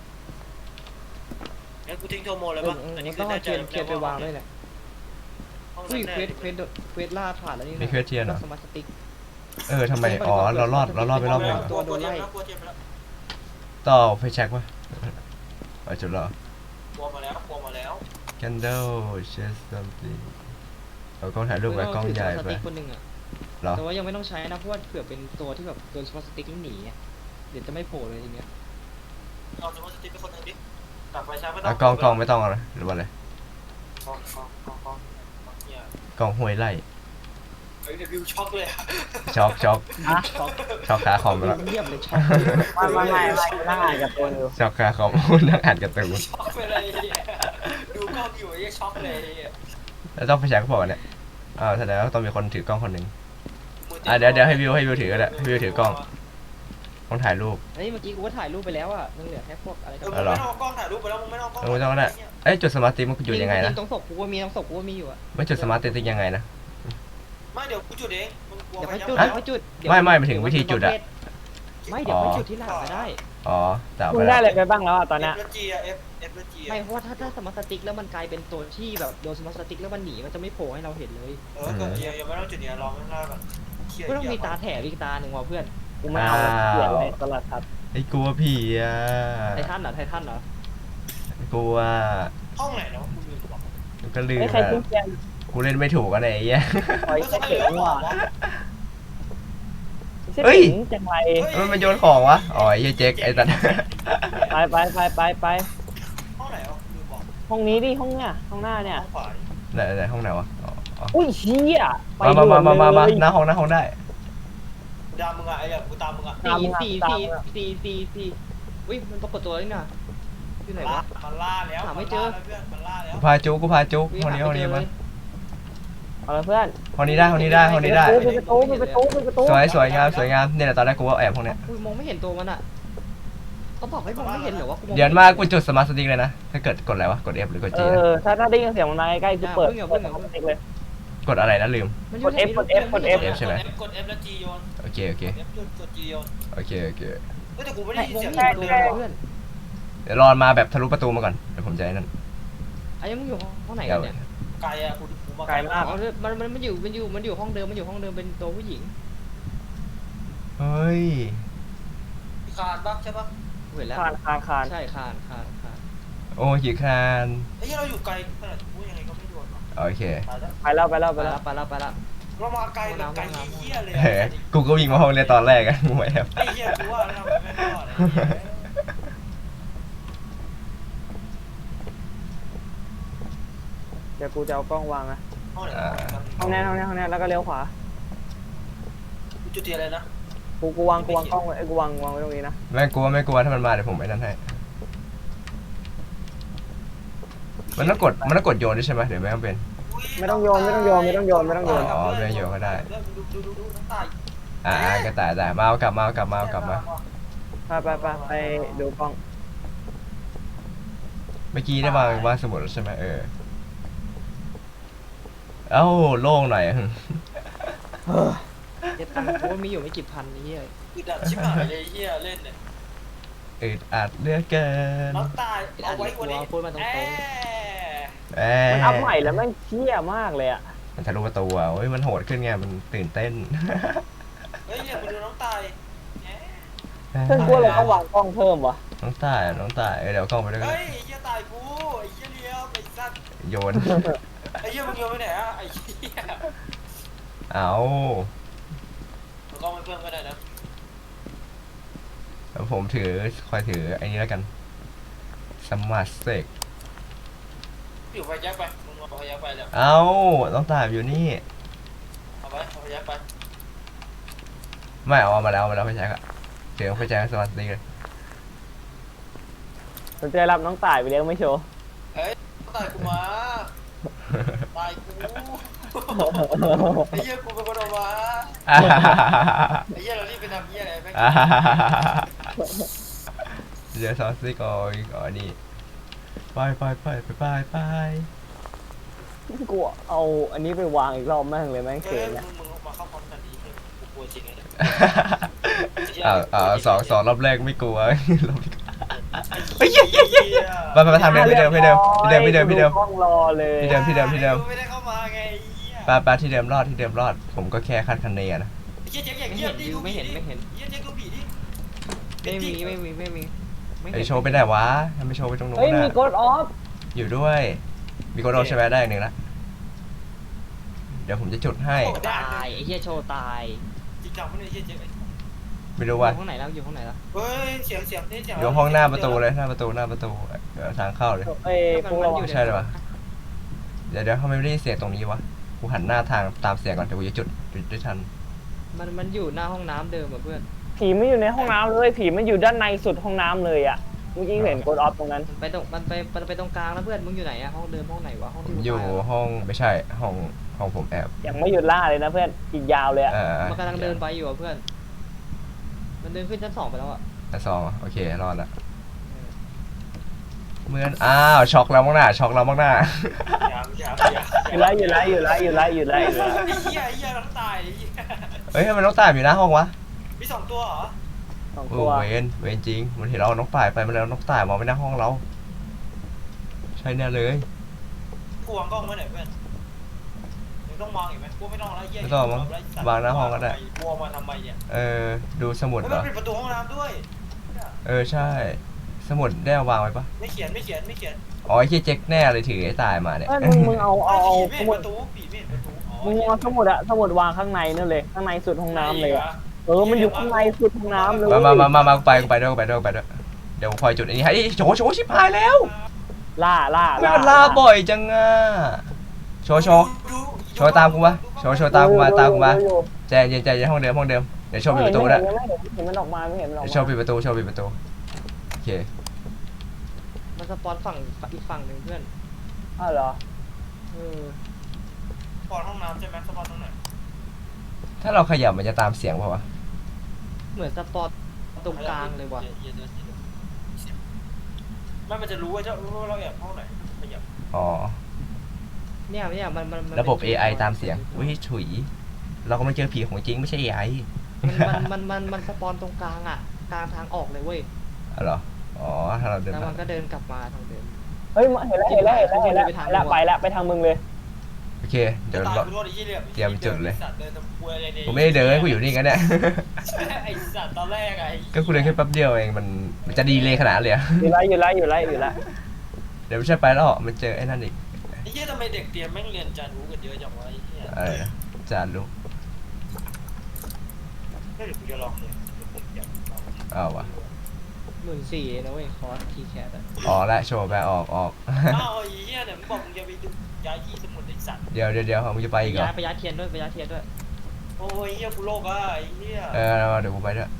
Speaker 4: งั้นกูทิ้งโทโมเลย
Speaker 2: เออ
Speaker 4: ป่ะ
Speaker 2: เออ
Speaker 4: อัน
Speaker 2: มั
Speaker 4: นี้
Speaker 2: น
Speaker 4: คื
Speaker 2: ต้
Speaker 4: อ
Speaker 2: อง
Speaker 4: แน่
Speaker 2: เอา
Speaker 4: ใจ
Speaker 2: เทียนเทียนไปวางด้วยแหละ
Speaker 4: ห้อง
Speaker 2: อุ้
Speaker 4: นั้
Speaker 2: ย
Speaker 4: นแน่
Speaker 2: เควสเควสเควสล่าผ่านแล้วนี่นะ
Speaker 1: มีเควสเทียนเหรอ
Speaker 2: สมาร์ทสติ๊ก
Speaker 1: เออทำไมอ๋อเรารอดเรารอดไปรอบหนึงเหรอ
Speaker 4: ตัวโดนไล่กลัวเทียนไปแล้ว
Speaker 1: ต่อไฟแช็กวะเอาจุดเหรอก
Speaker 4: ลัวมาแล้วกลัวมาแล้ว
Speaker 1: candle chest something เอากล้องถ่ายรูปกับกล้องใหญ่
Speaker 2: ส
Speaker 1: ไป
Speaker 2: ติ๊กคนหนึ่งอะ
Speaker 1: เหรอ
Speaker 2: แต่ว่ายังไม่ต้องใช้นะเพราะว่าเผื่อเป็นตัวที่แบบโดนสมาร์ทสติ๊กหนีอะเดี๋ยวจะไม่โผล่เลยทีเนี้ย
Speaker 4: เอาสมมติสติ๊กเป็นคนหนึ่งดิตัดไฟใช้ไม่ต้อ
Speaker 1: เอา
Speaker 4: ง
Speaker 1: กล้องกล้องไม่ต้องเอาเลยหรือว่าอะไร
Speaker 4: กล้องกล้องกล้องกล้องเนี่ย
Speaker 1: กล้องห้วยไล่
Speaker 4: เฮ้ยเดวิวช็อกเลยอะ
Speaker 1: ช็อกช็อก
Speaker 2: ช็อก
Speaker 1: ช็อกขาคอมไปแล้ว
Speaker 2: เงียบเลยช็อก
Speaker 3: ไม่ไม่ไม่ไม่นั่งอ่านกับตัวอยู่
Speaker 1: ช็อกขาคอม นั่งอ่านการ์ตูน
Speaker 4: ช็อกไปเลยไอ้เหี้ยดูกล้องอยู่ไอ้เหี้ยช็อกเลยไอ้เหี้ย
Speaker 1: แล้วต้องไฟแช็กบอกเนี่ยอ้าวแสดงว่าต้องมีคนถือกล้องคนหนึ่ง
Speaker 4: มืติ
Speaker 1: อ่ะเดี๋ยวเดี๋ยวให้วิวให้วิวถือก็ได้ให้วิวถือกล้อง ต้องถ่ายรูป
Speaker 2: เฮ้ยเมื่อกี้กูก็ถ่ายรูปไปแล้วอ่ะยังเหลือแค่พวกอะไร
Speaker 4: เอ
Speaker 2: กั
Speaker 4: อน มึง
Speaker 1: เหรอ
Speaker 4: ไม่ต้องเอากล้องถ่ายรูปไปแล้วมึงไม่ต้องเอากล้อง
Speaker 1: เออไม่ต้องก็ได้ เอ้ยจุดสมาร์ทติ๊กมันอยู่ยังไงนะ
Speaker 2: ตรงศพกูก็มีตรงศพกูก็มีอยู่อ่ะ
Speaker 1: ไม่จุดสมาร์ทติ๊กยังไงนะ
Speaker 4: ไม่เดี๋ยวกูจุดเองมึงกลัว
Speaker 2: เดี๋ยว
Speaker 4: ไฟ
Speaker 2: ค่อย
Speaker 4: ยั
Speaker 2: จุด
Speaker 4: บ
Speaker 2: เดี๋ยวค่อยจุดเดี๋ยว
Speaker 1: ไม่ไม่หมายถึงวิธีจุดอะ
Speaker 2: ไม่เดี๋ยวค่อยจุดที่หลังก็ได้
Speaker 1: อ๋อแต่เอา
Speaker 3: มึ
Speaker 1: ไป
Speaker 3: งได้
Speaker 1: แล้ว
Speaker 3: อะไรไปบ้างแล้วอ่ะตอนเนี้ย
Speaker 4: เอฟจีอะเอฟเอฟจี
Speaker 2: ไม่เพราะว่าถ้าถ้าสมาร์ทสติ๊กแล้วมันกลายเป็นตัวที่แบบโดนสมาร์ทสติ๊กแล้วมันหนีมันจะไม่โผล่ให้เราเห็นเลย
Speaker 4: เออก็ยังยังไม่ต้องจุดเนี้ยลองข้างหน้าก่อนเชี่ย
Speaker 2: ก็ต้องมีตาแถบอีกตาหนึ่งว่ะเพื่อน
Speaker 3: กูไม่เอาเสียอะไรตลอดครับ
Speaker 1: ไอ้กลัวผีอ่ะ
Speaker 2: ไททันเหรอไททันเหรอก
Speaker 1: ลัว
Speaker 4: ห้องไหนเนาะกูลืมบอก
Speaker 1: ก็ลืม
Speaker 3: ไม่ใคร
Speaker 1: อ่ะ
Speaker 3: ทิ้งเตียง
Speaker 1: กูเล่นไม่ถูกกันไอ้เหี้ย
Speaker 3: คอย
Speaker 4: แล้ว
Speaker 3: เช็
Speaker 4: ทำ
Speaker 3: ค
Speaker 4: ไม
Speaker 3: เสี
Speaker 4: เห
Speaker 3: ย
Speaker 4: ลื
Speaker 3: ง
Speaker 4: อข
Speaker 3: ว่ะ
Speaker 4: วาวะ
Speaker 3: ไม่ใช่
Speaker 1: เฮ้ย
Speaker 3: ถึงจังไร
Speaker 1: มันมันโยนของวะ อ๋อไอ้เหี้ยเจ๊กไอ้ตัด
Speaker 3: ไปไปไปไปไป
Speaker 4: ห้องไหนอ่ะลืมบอก
Speaker 3: ห้องนี้ดิห้องเนี้ยห้องหน้าเนี่ย
Speaker 4: ห้องขวาดิ
Speaker 1: ไหนไหนห้องไหนวะอ๋ออ๋อ
Speaker 3: อุ้ยเชี่ยไป
Speaker 1: มามามามามามา
Speaker 3: ด่วนเลย
Speaker 1: หน้าห้องหน้าห้องได้
Speaker 4: กูตามมึงอ่ะไอ้เนี่ยกูตามมึงอ่ะ
Speaker 3: ตาม
Speaker 2: สี่
Speaker 3: มึงอะ
Speaker 2: สี่
Speaker 3: ตาม
Speaker 2: สี่
Speaker 3: มึงอะ
Speaker 2: สี่สี่สี่อุ้ยมันปรากฏตัวแล้วนี่นะอยู่ไหนวะ
Speaker 4: มันล่าแล้ว
Speaker 2: หาไม่เจอ
Speaker 4: นล่าแล้วเพื่อนมันล่าแล้ว
Speaker 1: กูพาจุกกูพาจุก
Speaker 2: อุ้ย
Speaker 1: ห้องนี้
Speaker 2: หา
Speaker 1: ห้อง
Speaker 2: ไม่
Speaker 1: นี้
Speaker 2: เจอเล
Speaker 1: มาย
Speaker 3: เอาละเพื่อน
Speaker 1: ห้องนี้ได้ห้องนี้ได้ห้องนี้ได้
Speaker 3: ปิดประตูปิดประตูปิดประตู
Speaker 1: สวยสวยงามสวยงามเนี่ยแหละตอนแรกกูว่าแอบห้องเนี้ย
Speaker 2: กูมองไม่เห็นตัวมันอ่ะเขาบอกให้มองไม่เห็นเหรอวะกูมอง
Speaker 1: เดี๋ยวมากูจุดสมาร์ทสติ๊กเลยนะ ถ้าเกิดกดอะไรวะ กด F หรือกด
Speaker 3: เอ
Speaker 1: G นะ
Speaker 3: อถ้าถ้าได้ยินเสียงมันมาใกล้ๆกูเปิดเปิดห้องเล็กเลย
Speaker 1: กดอะไรนะลืม
Speaker 2: มันอยู่ไหน
Speaker 3: กด F กด F
Speaker 1: กด F ใช่ไหม
Speaker 4: กด F แล้ว G โยน
Speaker 1: โอเคโอเค
Speaker 4: F จุดกด G โยน
Speaker 1: โอเคโอเค
Speaker 4: เฮ้ยแต่กูไม่
Speaker 2: ม
Speaker 4: ได้
Speaker 2: อง
Speaker 4: ยินเสียง
Speaker 2: ไม่เห็นตัวมันเพื่อน
Speaker 1: เดี๋ยวรอมาแบบทะลุประตูมาก่อน เดี๋ยวผมจะไอ้นั่น
Speaker 2: ไอ้ยังมึงอยู่ห้องไหน
Speaker 1: เดี๋
Speaker 2: กั
Speaker 1: ย
Speaker 2: น
Speaker 1: ว
Speaker 2: เนี่ย
Speaker 4: ไกลอ่ะกูกูมา
Speaker 3: ไกลมาก
Speaker 2: อ๋อมันมันมันอยู่มันอยู่มันอยู่ห้องเดิมมันอยู่ห้องเดิมเป็นตัวผู้หญิง
Speaker 1: เฮ้ย
Speaker 4: คานปะใช่ปะ
Speaker 2: เห็นแล้ว
Speaker 3: คานคานคาน
Speaker 2: ใช่คานคานคาน
Speaker 1: โอ้ขีคาน
Speaker 4: ไอ้ที่เราอยู่ไกลขนาดพูดยังไงก็ไม่โดนหรอก
Speaker 1: โอเค
Speaker 4: ตายแล้ว
Speaker 3: ไปแล้วไปแล้ว
Speaker 2: ไป
Speaker 3: ไปแล้
Speaker 2: แล้ว วไปแล้วไปแล้ว
Speaker 4: เรามาไกลแบบไกลเหี้ยเลย
Speaker 1: เฮ้ยกูก็วิ่งมาห้องเรียนตอนแรกอะกูไม่แอบ
Speaker 4: ไอ้เหี้ยกูว่าเราไม่รอดไอ้เหี้ย
Speaker 3: เดี๋ยวกูจะเอากล้องวางนะ
Speaker 4: ห้องไหน
Speaker 3: ห้องนี้ห้องนี้ห้องนี้แล้วก็เลี้ยวขวา
Speaker 4: จุดเทียนอะไรนะ
Speaker 3: กูกูวางกูวางกล้องไว้ไอ้กูวางวางไว้ตรงนี้นะ
Speaker 1: ไม่กลัวไม่กลัวถ้ามันมาเดี๋ยวผมไอ้นั่นให้มันต้องกดมันต้องกดโยนด้วยใช่ไหมเดี๋ยวไม่ต้องเป็น
Speaker 3: ไม่ต้องโยนไม่ต้องโยนไม่ต้องโยนไม่ต้องโยน
Speaker 1: อ๋อไม่ต้องโยนก็ได้
Speaker 4: ดูดูดูดูน้ำตา
Speaker 1: อ่ากระต่ายแต่มาเอากลับมาเอากลับมาเอากลับมา
Speaker 3: ไปไปไปไปดูกล้อง
Speaker 1: เมื่อกี้ได้วางวางสมุดแล้วใช่ไหมเออเอ้าโล่งหน่อย
Speaker 2: เจ็ดตังค์กูมีอยู่ไม่กี่พันนี่เฮ้ย
Speaker 4: คือดัดชิบหายเลยเหี้ยเล่นเนี่ย
Speaker 1: อึดอัดเหลือกเกิน
Speaker 4: น้ำตาเอาไว้วันนี้
Speaker 2: พูดมาตรง
Speaker 4: แอ
Speaker 1: แห
Speaker 3: มันอัพใหม่แล้วแม่งเชี่ยมากเลยอ่ะ
Speaker 1: มันทะลุประตูอ่ะเฮ้ยมันโหดขึ้นไงมันตื่นเต้น
Speaker 4: เฮ้ยเนี่ยมาดูน้ำตาย
Speaker 3: เพื่อนกูเราต้องวางกล้องเพิ่มวะ
Speaker 1: น้องตายน้องตายเออเดี๋ยวกล้องไปด้วยกัน
Speaker 4: เฮ้ยไอ้เหี้ยตายกูไอ้เหี้ยเลี้ยวไอ้สัตว์
Speaker 1: โยน
Speaker 4: ไอ้เหี้ยมึงโยนไปไหนอะไอ้เหี้ย
Speaker 1: เอา
Speaker 4: มันก็ไม่เพิ่มก็ได้นะ
Speaker 1: แล้วผมถือคอยถือไอ้นี้แล้วกันสมาร์ทสเต็ก
Speaker 4: อยู่ไฟแจ็คไปมึงเอาไฟแจ็คไปแล้ว
Speaker 1: เอาน้องตายอยู่นี่
Speaker 4: เอาไปเอาไฟแจ็คไป
Speaker 1: ไม่เอาเอามาแล้วเอามาแล้วไฟแช็กอะเสียงไฟแช็กสมาร์ทสเต็กเลย
Speaker 3: สนใจรับน้องต่ายไปเลี้ยงไม่โชว์
Speaker 4: เฮ้ยตายกูมาตายกูไอ้เหี้ยกูเป็นคนออกมาไอ้เหี้ยเรารีบไปทำเหี้ยอะไรแม่ง
Speaker 1: เดี๋ยวซอสซี่ก่อนก่อนนี่ไปไปไปไปไปไป
Speaker 3: กูเอาอันนี้ไปวางอีกรอบแม่งเลยแม่ง
Speaker 4: เฮ้
Speaker 3: เขิ
Speaker 4: ย
Speaker 3: น
Speaker 4: มึ
Speaker 3: นะ
Speaker 4: งมึงมาเข้าพร้อมกันดีกูกลัวจริงไง
Speaker 1: อ่าอ่าสองสองรอบแรกไม่กลัว รอบที่เฮ้ยเฮ้ยเฮ้ยเฮ้ยไปไปไปทางเดิมที่เดิมที่เดิมที่เดิมที่เดิมที่เดิม
Speaker 3: กล้องรอเลย
Speaker 1: ที่เดิมที่เดิมที่เดิม
Speaker 4: ไม่ได้เข้ามาไงไอ้เหี้ย
Speaker 1: ไปไปที่เดิมรอดที่เดิมรอด ผมก็แค่คาดคะเนนะ
Speaker 4: ไอ้เหี้ยเจ๊กอย่าง
Speaker 2: ไม่
Speaker 4: เหี้ย
Speaker 2: เห็น
Speaker 4: ดิ
Speaker 2: ดิ
Speaker 4: ดู
Speaker 2: ไม่เห็นไม่เห็น
Speaker 4: เหี้ยเจ๊กดูผีดิ
Speaker 2: ไม่มีไม่มีไม่มีไม่
Speaker 1: ไอ
Speaker 2: เห็น
Speaker 1: โชว์ไปไหนวะทำไมโชว์ไปตรงนู้น
Speaker 3: เฮ้ยมี
Speaker 1: น่ะ
Speaker 3: กดออฟ
Speaker 1: อยู่ด้วย มีคนโดนใช่ไหมได้หนึ่งละเดี๋ยวผมจะจุดให้
Speaker 2: ตายไอ้เหี้ยโชว์ตาย
Speaker 4: จริงจังไม่ได้เหี้ยเจ๊ก
Speaker 1: ไม่รู้
Speaker 2: อยู่
Speaker 1: ว่า
Speaker 2: ห้องไหนแล้วอยู่ห้องไหนแล้ว
Speaker 4: เฮ้ยเสียงเสียงนี่เสียง
Speaker 1: อยู่ห้องหน้าประตูเลยหน้าประตูหน้าประตูเอ่อทางเข้าเลย
Speaker 3: เอ้ยพวกเรา
Speaker 1: ใช่เลยวะ เดี๋ยวเดี๋ยวทำไมไม่ได้ยินเสียงตรงนี้วะ กูหันหน้าทางตามเสียงก่อนเดี๋ยวกูจะจุดจุดได้ทัน
Speaker 2: มันมันอยู่หน้าห้องน้ำเดิมอ่ะเพื่อน
Speaker 3: ผีไม่อยู่ในห้องน้ำเลยผีมันอยู่ด้านในสุดห้องน้ำเลยอ่ะเมื่อกี้เห็นกดออฟตรงนั้น
Speaker 2: มันไปตรงมันไปมันไปตรงกลางแล้วเพื่อนมึงอยู่ไหนอะห้องเดิมห้องไหนวะห้อง
Speaker 1: ผ
Speaker 2: ที่
Speaker 1: ม
Speaker 2: กู
Speaker 1: อยู่
Speaker 2: ตายอะ
Speaker 1: ห้องไม่ใช่ห้องห้องผมแอบ
Speaker 3: ยังไม่หยุดล่าเลยนะเพื่อนอีกยาวเลยอ่ะ
Speaker 1: เออ
Speaker 2: มันกำลังเดินไปอยู่อ่ะเพื่อน มันเดินขึ้นชั้นสองไปแล้วอ่ะ
Speaker 1: ชั้นสองโอเครอดละเหมือนอ้าวช็อกแล้วมั้งหน้าช็อกแล้วมั้งหน้า
Speaker 4: อย่าอย่าอย่า
Speaker 3: อยู่แล้วอยู่แล้วอยู่แล้วอยู่แล้วอยู่แล้วอยู่แล้ว
Speaker 4: ไอ้เหี้ยไอ้เหี้ยน้ำตายไอ้เหี้ย
Speaker 1: เฮ้ยทำไมน้องตายอยู่หน้าห้องวะ
Speaker 4: มีสองตัวเหรอ
Speaker 3: สอง
Speaker 1: เอ
Speaker 3: ตั
Speaker 1: อ
Speaker 3: ว
Speaker 1: เวนเวนจริงมันเห็นเราเอาน้องตายไปมันแล้วน้องตายมองไปหน้าห้องเรา ใช่แน่เลย
Speaker 4: กูวางกล้องไว้ไหนเพื่อนมึงต้องมองอีกไหมกูไม่ต้องแล้วเหี้ย
Speaker 1: ไม่ต้องมั้งวางหน้าห้องก็ได้
Speaker 4: กูเอามาทำไมเนี่ย
Speaker 1: เออดูสมุด
Speaker 4: เฮ้ย
Speaker 1: เหร
Speaker 4: มัน
Speaker 1: อ
Speaker 4: ปิดประตูห้องน้ำด้วย
Speaker 1: เออใช่ สมุดได้เอาวางไว้ปะ
Speaker 4: ไม่เขียนไม่เขียนไม่เขียน
Speaker 1: อ๋อไอ้เหี้ยเจ๊กแน่เลยถือไอ้ตายมาเนี่ย
Speaker 3: เอ้ยมึงมึงเอาเอาเอา
Speaker 4: ผี
Speaker 3: ส
Speaker 4: ไม่
Speaker 3: มุ
Speaker 4: เห็
Speaker 3: ด
Speaker 4: นประตูผีไม่เห็นประตูอ๋อ
Speaker 3: มึงเอาสมุดอะสมุดวางข้างในนั่นเลยข้างในสุดห้องน้ำเลยอะเออมันอยู่ข้างในสุดห้องน้ำเลย
Speaker 1: มามามามามาไปไปด้วยไปด้วยไปด้วยเดี๋ยวผมคอยจุดอันนี้ให้โชว์โชว์ชิบหายแล้ว
Speaker 3: ล่าล่า
Speaker 1: ไม่มันลาบ่อยจังอ่ะโชว์โชว์
Speaker 4: ดู
Speaker 1: โชว์ตามกูมาโชว์โชว์ตามกูมาตามกูมา
Speaker 3: อยู่อยู่
Speaker 1: ใจเย็นใจเย็นห้องเดิมห้องเดิมเดี๋ยวโชว์ปิดประตูด้วย
Speaker 3: ไม่เห็นไม่เห็นไม่เห็นมันออกมาไม่เห็นมันออก
Speaker 1: เดี๋ยว
Speaker 3: มา
Speaker 1: โชว์ปิดประตูโชว์ปิดประตูโอเค
Speaker 2: มันสปอนฝั่งอีกฝั่งหนึ่งเพื่อน
Speaker 3: อ้าวเหรอ
Speaker 2: เออ
Speaker 4: ปอนห้องน้ำใช่ไหมสปอนตรงไหน
Speaker 1: ถ้าเราขยับมันจะตามเสียงเปล่าวะ
Speaker 2: เหมือนสปอนตรงกลางเลยว่ะ
Speaker 4: ไม่มันจะรู้ว่าเจ้ารู้ว่าเราแอบห้องไหนขยับ
Speaker 1: อ๋อ
Speaker 2: เนี่ยเนี่ยมันมันมัน
Speaker 1: ระบบ เอ ไอ ตามเสียงอุ้ยฉุยเราก็ไม่เจอผีของจริงไม่ใช่ เอ ไอ
Speaker 2: มันมันมันมันมันสปอนตรงกลางอ่ะกลางทางออกเลยเว้ย
Speaker 1: อ๋อเหรออ๋อถ้าเราเดิน
Speaker 2: แล้ว
Speaker 1: ผ่า
Speaker 2: มัน นก็เดินกลับมาทางเดิม
Speaker 3: เฮ้ยเห็นแล้วเห็นแล้วเห็นแล้วเห็นแล้ว
Speaker 2: ไปทาง
Speaker 3: แล้วไปแล้วไปทางมึงเลย
Speaker 1: โอเคเดี๋ยว
Speaker 4: ตาย
Speaker 1: เรา
Speaker 4: กูรอดไอ้เหี้ยเหลี่ยม
Speaker 1: เตรียมจุดเลย
Speaker 4: สัตว์เดินทำควยอะไรเนี่ย
Speaker 1: กูไม่ได้เดินกูอยู่นี่กันเนี่ย
Speaker 4: ไอ้สัตว์ตอนแรกไอ้
Speaker 1: ก็กูเดินแค่แป๊บเดียวเองมันมันจะดีเลยขนาดนั้นเลยอะ
Speaker 3: อยู่ไรอยู่ไรอยู่ไรอยู่ไร
Speaker 1: เดี๋ยวไม่ใช่ไปแล้วมันเจอไอ้นั่นอีก
Speaker 4: ไอ้เหี้ยทำไมเด็กเตรียมแม่งเรียนจารู้กันเยอะจังวะไอ้เหี้ย
Speaker 1: อะไรนะจานลูก
Speaker 4: เดี๋ยวกูจะลองเลยเดี๋ยวผมอยากลอง
Speaker 1: เอาวะ
Speaker 2: หมื่นสี่นะเว้ยคอร์สทีแคทอะ
Speaker 1: ออกแล้วโชว์ไปออกออก
Speaker 4: อ้าวไอ้เหี้ยเนี่ยมึงบอกมึงจะไปดูย้ายที่สมุดไอ้สัตว์
Speaker 1: เดี๋ยวเดี๋ยวเดี๋ยวมึงจะไปอีกเหรอ
Speaker 2: ย้ายไปย้ายเทียนด้วยไปย้ายเทียนด้วย
Speaker 4: โอ้ยเหี้ยกูโลกอ่ะไอ้เหี้ย
Speaker 1: เออเดี๋ยวกูไปด้วย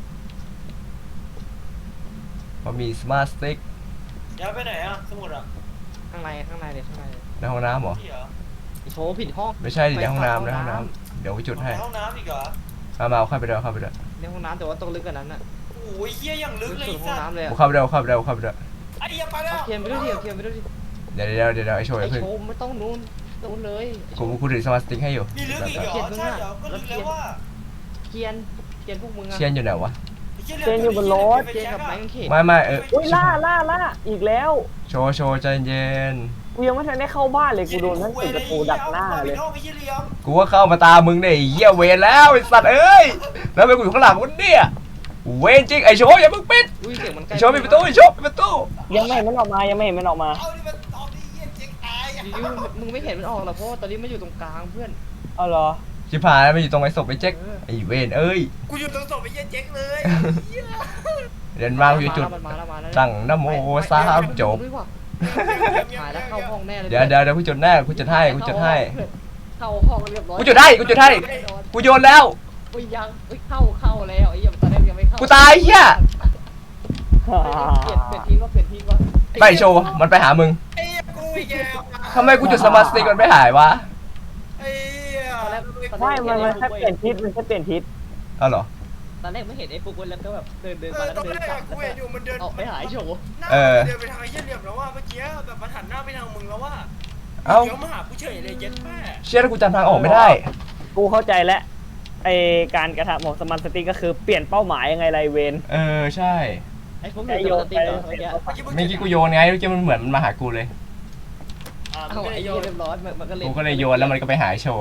Speaker 1: พอมีสมาร์ทสติ๊ก
Speaker 4: ย้ายไปไหนอ่ะสมุดอ่ะ
Speaker 2: ข้างในข้างในเลยข้างในเลย
Speaker 1: ในห้องน้ำเหรอ
Speaker 4: ที่เหรอ
Speaker 2: โชว์ผิดห้อง
Speaker 1: ไม่ใช่ดิในห้องน้ำในห้องน้ำเดี๋ยวกูจุดให้
Speaker 4: ในห้องน้ำอีกเหรอ
Speaker 1: มามาเอาเข้าไปด้วยเอาเข้าไปด้วย
Speaker 2: ในห้องน้ำแต่ว่าต้องลึกกว่านั้นน่ะ
Speaker 4: โอ้ยเหี้ยอย่างลึก
Speaker 2: ลึก
Speaker 4: เลย
Speaker 2: สุด
Speaker 4: ไอ้
Speaker 2: ห้อง
Speaker 4: สัตว์
Speaker 2: น้ำเลย
Speaker 1: กู
Speaker 2: อะ
Speaker 1: เข้าไปด้วยเอาเข้าไปด้วยเอาเข้าไปด้วย
Speaker 4: ไอ้เหี้ยไปแล้ว
Speaker 2: เอาเทียนไปด้วยดิเอาเทียนไปด้วยดิ
Speaker 1: เดี๋ยวเดี๋ยวเดี๋ยวเดี๋ยวไอ้โชว์
Speaker 2: ไอ
Speaker 1: อย่าเพิ่ง
Speaker 2: โชว์ไม่ต้องนู้นนู้นเลยไอ้โช
Speaker 1: กู
Speaker 2: ว์
Speaker 1: กูถือสมาร์ทสติ๊กให้อยู่
Speaker 4: มีลึกอีกเหรอใช่เหรอก็ลึกแล้วว่า
Speaker 2: เทียนเทียนพวกมึงอะ
Speaker 1: เชียนอยู่ไหนวะ
Speaker 2: เทียนกับไม้กางเขน
Speaker 1: ไม่ไม่เออ
Speaker 3: อุ้ยล่าล่าล่าอีกแล้ว
Speaker 1: โชว์โชว์ใจเย็น
Speaker 3: กูยังไม่ทันได้เข้าบ้านเลยกูโดนทั้งติดประตูดักหน้าเลย
Speaker 4: ห้องไอ้เหี้ยเหลี่ยม
Speaker 1: กูว่าเข้ามาตามมึงเนี่ยไอ้เหี้ยเวรแล้วไอ้สัตว์เอ้ยแล้วไปกูอยู่ข้างหลังมึงเนี่ยเวรจริงไอ้โชว์อย่าเพิ่งปิด
Speaker 2: อุ้ยเสียงมันใกล้
Speaker 1: ไอ้โชว์ปิดประตูไอ้โชว์ปิดประตู
Speaker 3: ยังไม่เห็นมันออกมายังไม่เห็นมันออกมา
Speaker 4: เอาดิมันเอาดิเหี้ยเจ๊งตายอ่ะ
Speaker 2: ยูมึงไม่เห็นมันออกหรอกเพราะว่าตอนนี้มันอยู่ตรงกลางเพื่อน
Speaker 3: เอาเหรอ
Speaker 1: ชิบหายแล้วมันอยู่ตรงไอ้ศพไอ้แจ็คไอ้เวรเอ้ย
Speaker 4: กูอยู่ตรงศพไอ้เหี้ยเจ๊งเลยเหี้ย
Speaker 1: เดินมาอยู่จุด
Speaker 2: มันมาแล้วมาแล้ว
Speaker 1: ตั้งนะโมสามจบ
Speaker 2: หายแล้วเข้าห้องแน่เลย
Speaker 1: เดี๋ยวเดี๋ยวเดี๋ยวกูจุดแน่กูจุดให้กูจุดให้
Speaker 2: เข้าห้องเรียบร้อย
Speaker 1: กูจุดให้กูจุดให้กูโยนแล้ว
Speaker 2: อุ้ยยังอุ้ยเข้าเข้าแล้วไอ้ยังตอนแรกยังไม่เข้า
Speaker 1: กูตายเหี้ย
Speaker 2: เปลี่ยนเปลี่ยนทีว่าเปลี่ยนทีว่า
Speaker 1: ไปโชว์มันไปหามึง
Speaker 4: ไอ้เหี้ยกูอีกแล้ว
Speaker 1: ทำไมกูจุดสมาร์ทสติ๊กมันไม่หายวะ
Speaker 4: ไอ้เหี้ย
Speaker 2: ตอนแรก
Speaker 3: ไม่มันมันแค่เปลี่ยนทิศมันแค่เปลี่ยนทิศ
Speaker 1: เอาเหรอ
Speaker 2: ตอนแรกไม่เห็นไอ้ปุ๊กแล้วก็แบบเดินเดิน
Speaker 4: เอ
Speaker 2: มา
Speaker 4: อ
Speaker 2: แล้ว
Speaker 4: ตอน
Speaker 2: เดิน
Speaker 4: แรก
Speaker 2: กลั
Speaker 4: อะ
Speaker 2: บ
Speaker 4: กูเห็นอยู่มันเดิน
Speaker 2: ออกไปหาไอ้โฉ
Speaker 4: หน้า
Speaker 1: เออ
Speaker 4: เดินไปทางไอ้เหี้ยเหลี่ยมแล้วว่าเมื่อกี้แบบมันหันหน้าไปทางมึงแล้วว่า
Speaker 1: เอ้า
Speaker 4: เดี๋ยวมาหากูเฉยเลยเย็นแม่
Speaker 1: เชื่อแล้วกูจำทางออกไม่ได้
Speaker 3: กูเข้าใจแล้วไอการกระทำของสมาร์ทสติ๊กก็คือเปลี่ยนเป้าหมายยังไงไรเวน
Speaker 1: เออใช่
Speaker 2: ไอ้ปุ๊กอยู่ตรงสติ๊กเหรอเมื่อกี้
Speaker 1: เมื่อกี้กูโยนไงเมื่อกี้มันเหมือนมันมาหากูเลย
Speaker 4: อ่ามึ
Speaker 2: เอา
Speaker 4: งก็
Speaker 2: ไอ้
Speaker 4: เลยโย
Speaker 2: เหี้ย
Speaker 4: น
Speaker 2: เรียบร้อยมันก็เลย
Speaker 1: กูก็เลยโยนแล้วมันก็ไปหาไอ้โชว์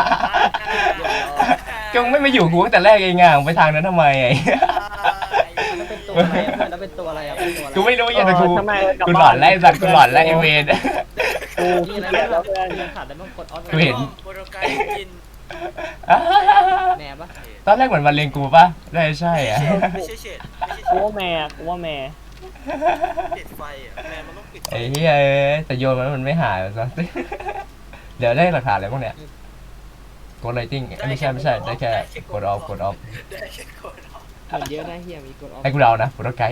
Speaker 1: ก็มึงไม่มาอยู่กูตั้งแต่แรกเองอ่ะมึงไปทางนั้นทำไมไอ้
Speaker 2: มันเป็นตัวอะไรอ่ะเพื่อนแล้วเป็นตัวอะไรอ่ะเป็นตัวอะไร
Speaker 1: กูไม่รู้ยังแต่กู
Speaker 3: ทำไมกลับ
Speaker 1: กู
Speaker 3: บ้า
Speaker 1: หลอนไล่สัตว์กูหลอนไล่ไอเวน
Speaker 3: กู
Speaker 2: นี่
Speaker 3: ขี้
Speaker 2: อะไร
Speaker 3: เกียจ
Speaker 2: แล้
Speaker 3: แล้ว ว
Speaker 2: เพื่
Speaker 3: เพื่
Speaker 2: อ
Speaker 3: อน น
Speaker 2: ขาดแต่ต้องกดออฟ
Speaker 1: กูเห็น
Speaker 4: โปรโตไกกิน
Speaker 2: แหนบปะ
Speaker 1: ตอนแรกเหมือนมันเลงกูปะได้ใช่อ่ะ
Speaker 4: ไม่ใช่เฉดไม่ใช่เฉ
Speaker 3: กู
Speaker 4: ด
Speaker 3: ว่าแม่กูว่าแม่
Speaker 4: ปิดไฟอ่ะแม่มันต้องปิดไฟ
Speaker 1: ไอ้เหี้ยเอ้ยแต่โยนมันมันไม่หายซะ เดี๋ยวได้หลักฐานอะไรบ้างเนี่ยกดไลติ้งไม่ใช่ไม่ใช่ได้แค่กดออฟกดออฟ
Speaker 4: ได้แค่กดออฟ
Speaker 2: เหมือนเยอะนะเฮียมีกดออฟ
Speaker 1: ให้กูเดานะโปรโตไกด์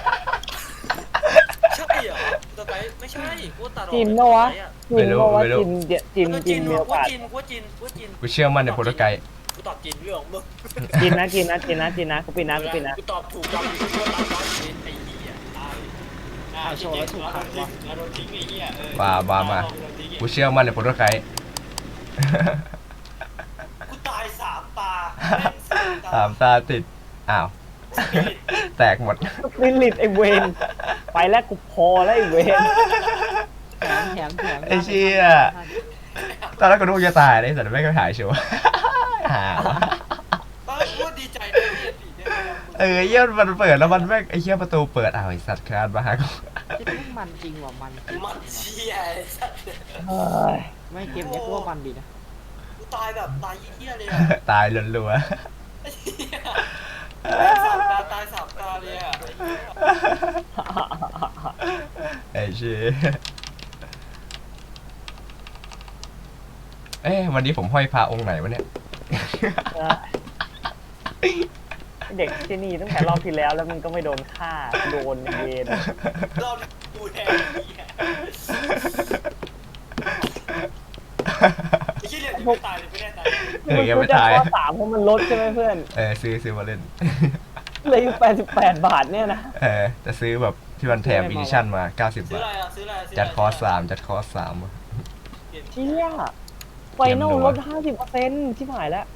Speaker 4: ใช่เหรอโปรโตไกไม่ใช่กูตัดออก
Speaker 3: จินเนอะวะจินเนอะวะจินจิน
Speaker 4: กู
Speaker 3: จิ
Speaker 4: จิ
Speaker 3: น
Speaker 4: น
Speaker 3: มีโอ
Speaker 4: กู
Speaker 3: กาส
Speaker 4: จินกูจินกูจิน
Speaker 1: กูเชื่อมั่นในโปรโตไกด์
Speaker 4: กูตอบจินเรื่องของมึง
Speaker 3: จินนะจินนะจินนะจินนะกูปิดนะกูปิดนะ
Speaker 4: กูตอบถูกตอบผิดกูตอบตอบผิดไอ้เหี้ยตายอ่าโชว์แล้วถูกขังว่ะเราโดนทิ้งไอ้เหี้ยเออ
Speaker 1: มามามากูเชื่อมั่นในโปรโตไกด์
Speaker 4: กูตายสามตา
Speaker 1: สามตาติดอ้าวแตกหมด
Speaker 3: สปิริตไอเวนไปแล้วกูพอแล้วไอเวน
Speaker 2: แถมแถมแถม
Speaker 1: ไอ้เชี่ย ตอนแรกกูนึกว่าจะตายเลยแต่ไม่เคยหายชัวร์ หาว
Speaker 4: ตอนแรกกูดีใจนะเหี้ยผีเนี่ย
Speaker 1: เออเยี่ยมันเปิดแล้วมันแม่งไอ้เหี้ยประตูเปิดอ้าวไอ้สัตว์คลานมาหากู
Speaker 2: ที่ต้องมันจริงว่ะมันจริง
Speaker 4: มันเชี่ยไอ้สัส
Speaker 3: เฮ้ย
Speaker 2: ไม่เกมเนี้ยกูว่ามันดีนะ
Speaker 4: กูตายแบบตายเหี้ยเลยอะ
Speaker 1: ตายรัว
Speaker 4: ไอ้เหี้ยสามตาตายสามตาเลยอะไอ้เหี้ย
Speaker 1: ๆไอ้เชี่ยเอ๊ะวันนี้ผมห้อยพระองค์ไหนวะเนี่ย
Speaker 3: เด็กที่นี่ตั้งแต่รอบที่แล้วแล้วมันก็ไม่โดนฆ่าโดนเวน
Speaker 4: รอบนี้กูแทนไอ้เหี้ยไอ้เหี้ยเหลี่ยมยังไม่ตายเลยไม่แน่ตาย
Speaker 1: เออยังไม่ตาย
Speaker 3: กูจะขอสามเพราะมันลดใช่ไหมเพื่อน
Speaker 1: เออซื้อซื้อมาเล่น
Speaker 3: เลยอยู่แปดสิบแปดบาทเนี่ยนะ
Speaker 1: เออจะซื้อแบบที่มันแถมอีดิชั่นมาเก้าสิบ
Speaker 4: ซื้อบ
Speaker 1: า
Speaker 4: อะไร
Speaker 1: ท
Speaker 4: อะซื้ออะไรซื้ะไร
Speaker 1: จัดคอร์สสามจัดคอร์สสาม
Speaker 3: เชี่ยไฟนอลลดห้าสิบเปอร์เซ็นต์ชิบหายแล้ว